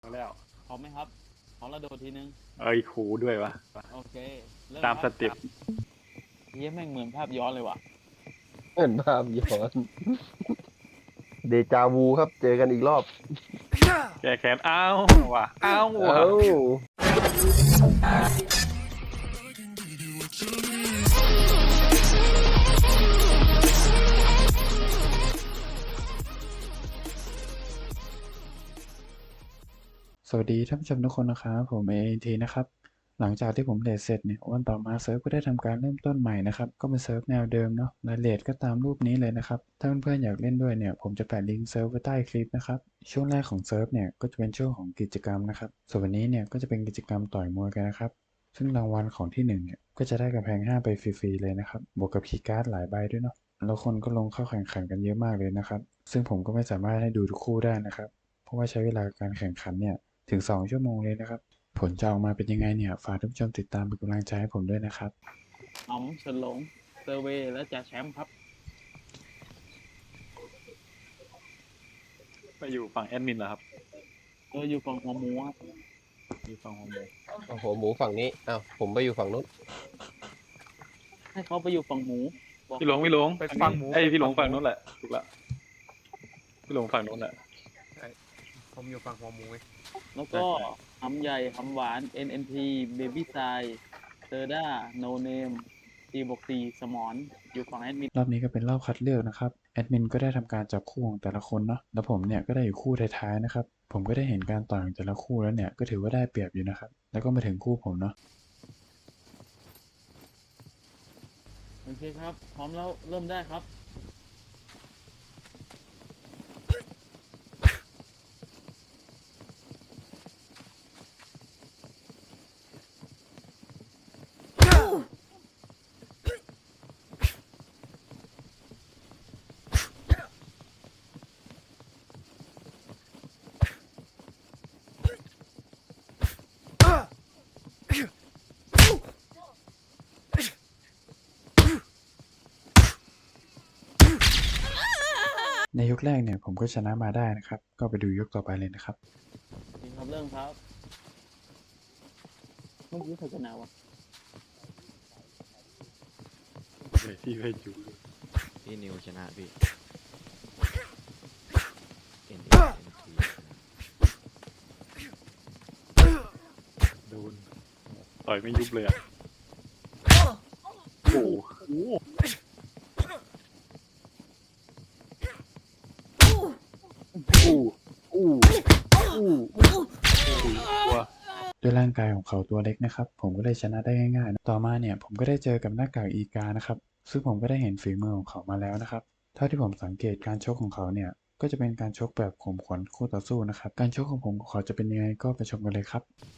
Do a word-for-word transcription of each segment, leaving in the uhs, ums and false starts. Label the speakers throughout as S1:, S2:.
S1: แล้ว
S2: พร้อมไหมครับพร้อมแล้วโดดทีนึง
S1: เอ้ยครูด้วยวะ
S2: โอเคเริ่ม
S1: ตาม
S2: ค
S1: ส
S2: รับ
S1: เต็ป
S2: เฮียแม่งเหมือนภาพย้อนเลยว่ะ
S3: เห็นภาพย้อนเดจาวูครับเจอกันอีกรอบ
S1: แก้แค้นอ้าวว่ะอ้าวว่ะ
S3: เอ้า
S4: สวัสดีท่านผู้ชมทุกคนนะครับผมเอทีนะครับหลังจากที่ผมเลทเสร็จเนี่ยวันต่อมาเซิร์ฟก็ได้ทำการเริ่มต้นใหม่นะครับก็เป็นเซิร์ฟแนวเดิมเนาะรายละเอียดก็ตามรูปนี้เลยนะครับถ้าเพื่อนๆอยากเล่นด้วยเนี่ยผมจะแปะลิงก์เซิร์ฟไว้ใต้คลิปนะครับช่วงแรกของเซิร์ฟเนี่ยก็จะเป็นช่วงของกิจกรรมนะครับส่วนวันนี้เนี่ยก็จะเป็นกิจกรรมต่อยมวยกันนะครับซึ่งรางวัลของที่หนึ่งเนี่ยก็จะได้กำแพงห้าไปฟรีๆเลยนะครับบวกกับคีย์การ์ดหลายใบด้วยเนาะแล้วคนก็ลงเข้าแข่งขันกันเยอะมากเลยนะครับซึ่งผมก็ไม่สามารถให้ดูทุกคู่ได้นะครับเพราะว่าใช้เวลาการแข่งขันเนี่ยถึงสองชั่วโมงเลยนะครับผลจะออกมาเป็นยังไงเนี่ยฝากท่านผู้ชมติดตามเป็นกำลังใจให้ผมด้วยนะครับ
S2: อ๋อมเฉินหลงเซอร์เวย์และจ่าแชมป์ครับ
S1: ไปอยู่ฝั่งแอดมินเหรอครับ
S2: เอออยู่ฝั่งหัวหมูครับ
S1: อยู่ฝั่งของผม
S3: โอ้โหหมูฝั่งนี้อ้าวผมไปอยู่ฝั่งนู้น
S2: ให้เขาไปอยู่ฝั่งหมูบอก
S1: พี่หลงพี่หลง
S5: ไปฝั่งหมู
S1: ไอยพี่หลง
S5: ไปฝั่
S1: ฝั่ง
S5: งหมู
S1: นู้นแหละถูกละพี่หลงฝั่งนู้นแหละ
S5: ผมอยู่ฝั่งหัวหมูไง
S2: แล้วก็หำใหญ่หำหวาน เอ็น เอ็น ที Baby s i เซอร์ด้า No Name ตีบวกตีสมอนอยู่ฝั่งแอดมิน
S4: รอบนี้ก็เป็นรอบคัดเลือกนะครับแอดมินก็ได้ทำการจับคู่ของแต่ละคนเนาะแล้วผมเนี่ยก็ได้อยู่คู่ท้ายๆนะครับผมก็ได้เห็นการต่อยของแต่ละคู่แล้วเนี่ยก็ถือว่าได้เปรียบอยู่นะครับแล้วก็มาถึงคู่ผมเนาะ
S2: โอเคครับพร้อมแล้วเริ่มได้ครับ
S4: ในยกแรกเนี่ยผมก็ชนะมาได้นะครับก็ไปดูยกต่อไปเลยนะครับ
S2: โอเคครับเริ่มครับเมื่อกี้ใครชนะวะ
S1: เดี๋ยวพี่ไปอยู่
S6: พี่นิวชนะพี่ เอ็น เอ็น ที
S1: โดนต่อยไม่ยุบเลยอ่ะโอ้โหอู้อู้อู้ตัว
S4: ด้วยร่างกายของเขาตัวเล็กนะครับผมก็เลยชนะได้ง่ายๆนะต่อมาเนี่ยผมก็ได้เจอกับหน้ากากอีกานะครับซึ่งผมก็ได้เห็นฝีมือของเขามาแล้วนะครับเท่าที่ผมสังเกตการชกของเขาเนี่ยก็จะเป็นการชกแบบข่มขวัญคู่ต่อสู้นะครับการชกของผมกับเขาจะเป็นยังไงก็ไปชมกันเลยครับ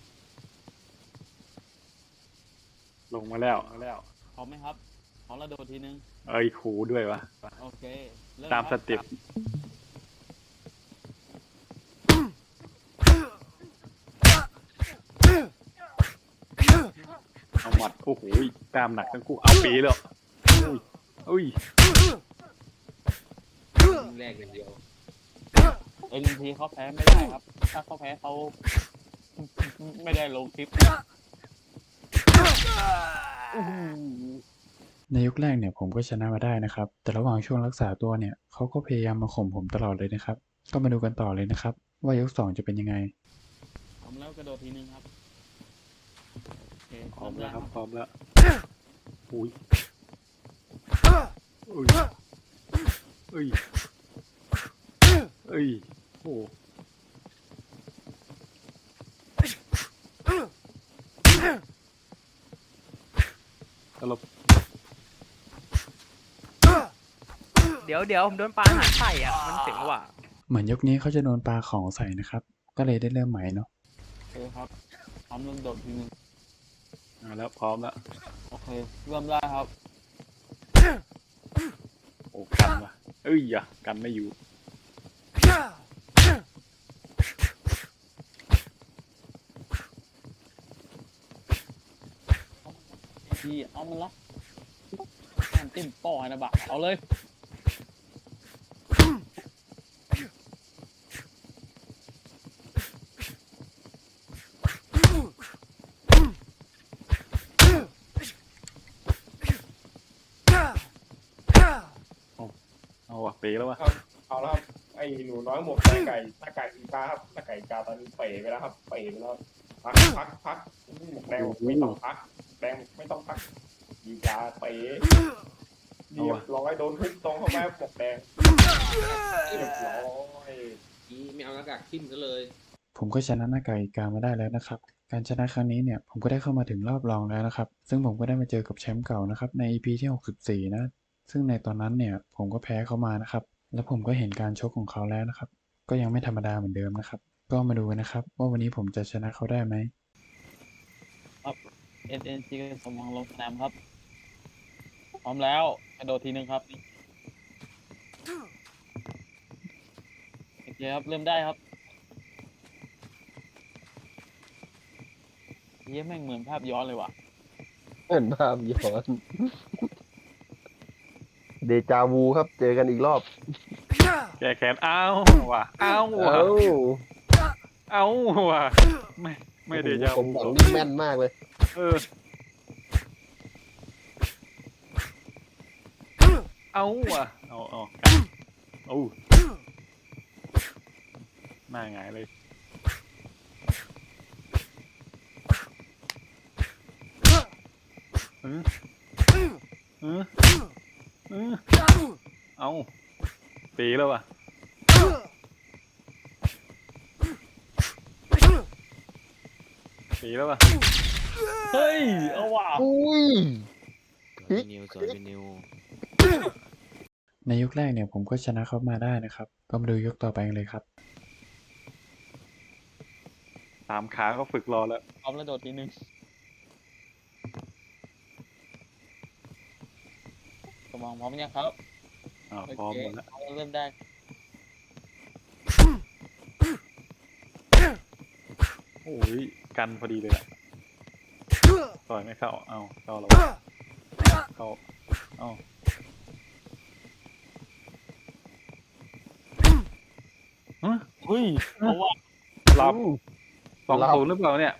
S1: ลงมาแล้วแล้ว
S2: พร้อมไหมครับพร้อมแล้วโดดทีนึง
S1: เอ้ยครูด้วยวะ
S2: โอเคเริ่ม
S1: ตาม
S2: ค
S1: ส
S2: รับ
S1: เต็ปเอาหมัดโอ้โหตามหนักทั้งคู่เอาปีเลยอุ้ยอุ้ย
S3: แรกอย่างเดียว
S2: เอ็นทีเขาแพ้ไม่ได้ครับ ถ้าเขาแพ้เขา ไม่ได้ลงคลิปอื้อหือ
S4: ในยกแรกเนี่ยผมก็ชนะมาได้นะครับแต่ระหว่างช่วงรักษาตัวเนี่ยเขาก็พยายามมาข่มผมตลอดเลยนะครับก็มาดูกันต่อเลยนะครับว่ายกสองจะเป็นยังไง
S2: พร้อมแล้วกระโดดทีนึงครับโอเค
S1: พร้อม
S2: เริ่
S1: แล้ว
S2: ม
S1: ครับ
S2: ได้
S1: พร้อมแล้วอุ้ยอุ้ยอุ้ยอุ้ยโอ้ตลบ
S5: เดี๋ยวเดี๋ยวผมโดนปลาหางไข่อ่ะ มันเจ๋งว่ะ
S4: เหมือนยกนี้เขาจะโดนปลาของใส่นะครับก็เลยได้เริ่มใหม่เนาะ
S2: โอเคครับพร้อมแล้วโดดทีนึง
S1: เอาแล้วพร้อมแล้ว
S2: โอเคเริ่มได้ครับ
S1: โอ้กันวะเอ้ยอย่ากันไม่อยู่
S2: ทีเอามันละแอนติ้มป้อให้นะบักเอาเลย
S1: ปีแล้ววะ
S7: ครับเอาแล้วครับไอ้หนูน้อยหมวกหน้าไก่หน้าไก่อีกาครับหน้าไก่อีกาตอนนี้เป๋ไปแล้วครับเป๋ไปแล้วพักพักพักหมวกแดงไม่ต้องพักแดงไม่ต้องพักอีกาเป๋เรียบร้อยโดนทุบตรงเข้าไปหมวกแดงเรียบร้อย
S8: อีไม่เอาหน้ากากทิ่มซะเลย
S4: ผมก็ชนะหน้ากากอีกามาได้แล้วนะครับ การชนะครั้งนี้เนี่ยผมก็ได้เข้ามาถึงรอบรองแล้วนะครับ ซึ่งผมก็ได้มาเจอกับแชมป์เก่านะครับใน อี พี ที่ หกสิบสี่ นะ ซึ่งในตอนนั้นเนี่ยผมก็แพ้เขามานะครับ แล้วผมก็เห็นการชกของเขาแล้วนะครับ ก็ยังไม่ธรรมดาเหมือนเดิมนะครับ ก็มาดูกันนะครับว่าวันนี้ผมจะชนะเขาได้ไหม
S2: เอ็นเอ็นทีสมองลงสนามครับ พร้อมแล้วกระโดดทีหนึ่งครับโอเคครับเริ่มได้ครับเยี่ยแม่งเหมือนภาพย้อนเลยว่ะ
S3: เหมือนภาพย้อนเดจาวูครับ เจอกันอีกรอบ
S1: แก้แค้นเอาว่ะเอาว่ะ
S3: เอ้า
S1: เอาว่ะไม่ไม่เดจา
S3: ผม
S1: วู
S3: บอกนี่แม่นมากเลย
S1: เออเอาว่ะเอาเอาเอาหน้าหงายเลยอืออืออือเอาปีแล้วว่ะปีแล้วว่ะ
S2: เฮ้ย เอาว่ะ
S3: อุ้ย
S6: สวยพี่นิวสวยพี่นิว
S4: ในยกแรกเนี่ยผมก็ชนะเขามาได้นะครับ ก็มาดูยกต่อไปกันเลยครับ
S1: สามขาก็ฝึกรอแล้ว
S2: พร้อมแล้วโดดทีหนึ่งสมองพร้อมยังครับ
S1: อ่า
S2: โอ
S1: พร้อม
S2: เค
S1: หมดแล้ว
S2: เอาเริ่มได้
S1: โอ้ยกันพอดีเลยอะต่อยไม่เข้าเอาเข้าแล้วเข้าเอาฮะ
S2: เฮ้ย เอาว่ะ
S1: หลับสอง
S3: หลับ
S1: ศูนย์หรือเปล่าเนี่ย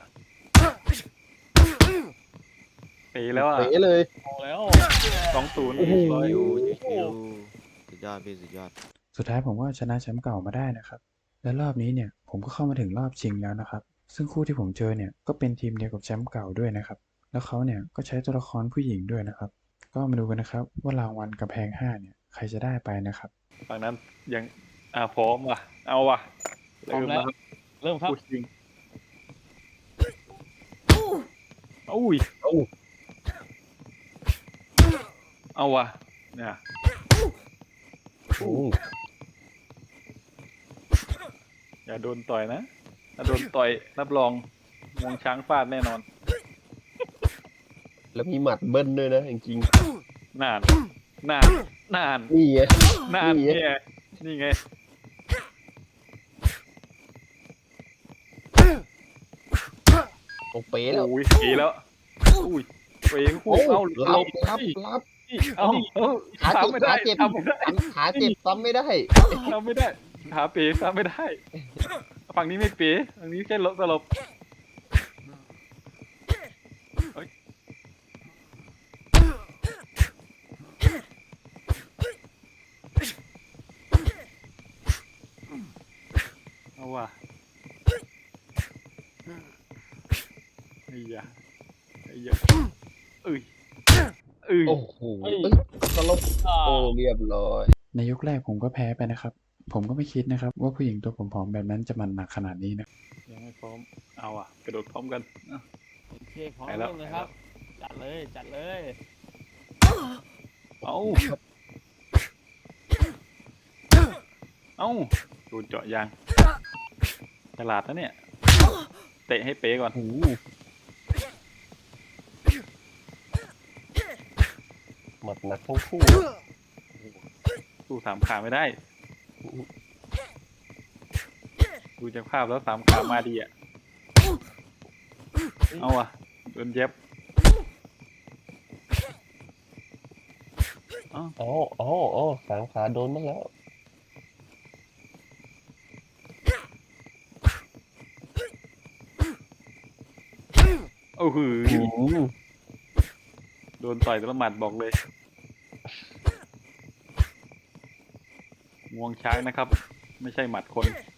S1: ปีแล้วอ่ะ
S3: เป๋เลย
S2: เอาแล้ว
S1: สองศูนย์
S3: โอ้โห
S1: ร้อย
S6: นิวนิวสุดยอดพี่สุดยอด
S4: สุดท้ายผมก็ชนะแชมป์เก่ามาได้นะครับ และรอบนี้เนี่ยผมก็เข้ามาถึงรอบชิงแล้วนะครับ ซึ่งคู่ที่ผมเจอเนี่ยก็เป็นทีมเดียวกับแชมป์เก่าด้วยนะครับ แล้วเขาเนี่ยก็ใช้ตัวละครผู้หญิงด้วยนะครับ ก็มาดูกันนะครับว่ารางวัลกำแพงห้าเนี่ยใครจะได้ไปนะครับ
S1: ฝั่งนั้นยังอ่าพร้อมว่ะเอาว่ะ
S2: พร้อมแล้ว
S1: ครับ
S2: เริ่มครับ
S1: พูดจริงอุ้ย
S3: เอ้า
S1: เอาว่ะเนี่ย
S3: โอ้
S1: อย่าโดนต่อยนะถ้าโดนต่อยรับรองงวงช้างฟาดแน่นอน
S3: แล้วมีหมัดเบิ้ลด้วยนะจริง
S1: นาน นาน นาน
S3: ๆนี่ไง
S1: นาน
S3: นี่ไง
S1: เนี่ยนี่ไง
S3: โอ้เป๋แล้ว
S1: โอ้ยปีแล้วอุ้ยเวงคู่
S3: โอ้
S1: เอา
S3: รับ
S1: เอา
S3: รับรับ
S1: เอาเอา
S3: ขา
S1: ทำ
S3: เจ็บ
S1: ไม่ได้
S3: ขาเจ็บ
S1: ทำไม่ได้
S3: ขาเจ็บซ้ำไม่ได้
S1: ทำไม่ได้ขาเป๋ทำไม่ได้ ฝั่งนี้ไม่เป๋ฝั่งนี้แค่ลบสลบเฮ้ยเอาว่ะไอ้ยาไอ้ยาเอ้ยเอ้ย
S3: โอ้โห
S2: เฮ้ย
S3: เอ้ยสลบ
S2: อ่า
S3: โอ้เรียบร้อย
S4: ในยกแรกผมก็แพ้ไปนะครับ ผมก็ไม่คิดนะครับว่าผู้หญิงตัวผอมๆแบบนั้นจะมันหนักขนาดนี้นะ
S1: ยังไม่พร้อมเอาอ่ะกระโดดพร้อมกันอ่ะ
S2: โอเคพร้อม
S1: ไปแล้
S2: เริ่
S1: ว
S2: มเลยครับ จัดเลย จัดเลย
S1: เอาเอาโดนเจาะยางฉลาดนะเนี่ย เตะให้เป๊ก่อน
S3: โอ้โหหมัดหนักทั้งคู่
S1: สู้สามขาไม่ได้ ดูจากภาพแล้วสามขามาดีอ่ะ เอาอ่ะโดนเย็บเอ้า
S3: อ๋ออ๋ออ๋อสามขาโดนบ้างแล้ว
S1: โอ้โห
S3: อืม
S1: โดนต่อยแตละหมัดบอกเลยงวงช้างนะครับ ไม่ใช่หมัดคน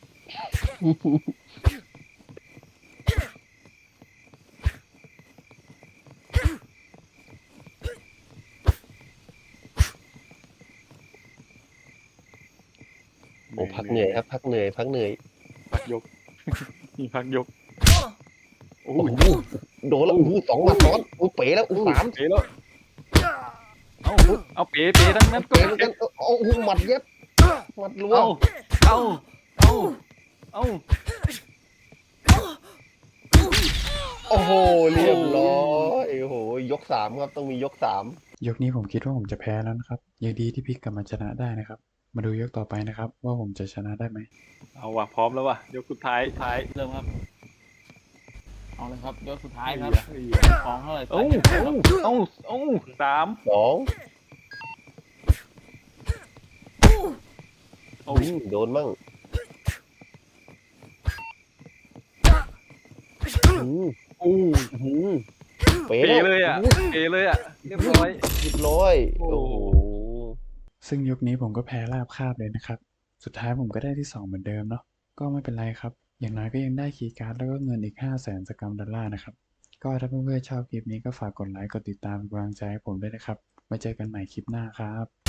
S3: โอ้พักเหนื่อยครับ พักเหนื่อย พักเหนื่อย
S1: พักยก มีพักยก โอ้
S3: โอ้
S1: ย
S3: โหโดนแล้วโอ้โหสองหมัดซ้อนโอ้เป๋แล้วโอ้สาม
S1: เป๋แล้วเอาเอาเป๋เป๋ทั้งนั้นก็
S3: เป๋เหมือนกันโอ้โหหมัดเย็บหมัดรัว
S1: เอาเอาเอาเอา
S3: โอ้โหเรียบร้อยโอ้โหยกสามครับต้องมียกสาม
S4: ยกนี้ผมคิดว่าผมจะแพ้แล้วนะครับยังดีที่พลิกกลับมาชนะได้นะครับ มาดูยกต่อไปนะครับ ว่าผมจะชนะได้ไหม
S1: เอาว่ะพร้อมแล้วว่ะยกสุดท้ายท้าย
S2: เริ่มครับ เอาเลยครับยกสุดท้ายครับ
S1: เอ้ย
S2: ของเท่าไหร่
S1: เอ้า
S2: ใส่
S1: เอ้าเอ้าเอ้าสาม
S3: สอง
S1: เอ้า
S3: อืมโดนมั่งอืม
S1: อู้
S3: อืมเป๋
S1: เป๋
S3: แล้ว
S1: เลยอ่ะ
S3: โโห
S1: เป๋เลยอ่ะเรียบร้อย
S3: เรียบร้อย
S1: โอ้
S3: โอ้โห
S4: ซึ่งยกนี้ผมก็แพ้ราบคาบเลยนะครับ สุดท้ายผมก็ได้ที่สองเหมือนเดิมเนาะ ก็ไม่เป็นไรครับ อย่างน้อยก็ยังได้คีย์การ์ดแล้วก็เงินอีกห้าแสนสกรัมดอลลาร์นะครับ ก็ถ้าเพื่อนๆชอบคลิปนี้ก็ฝากกดไลค์กดติดตามเป็นกำลังใจให้ผมด้วยนะครับไว้เจอกันใหม่คลิปหน้าครับ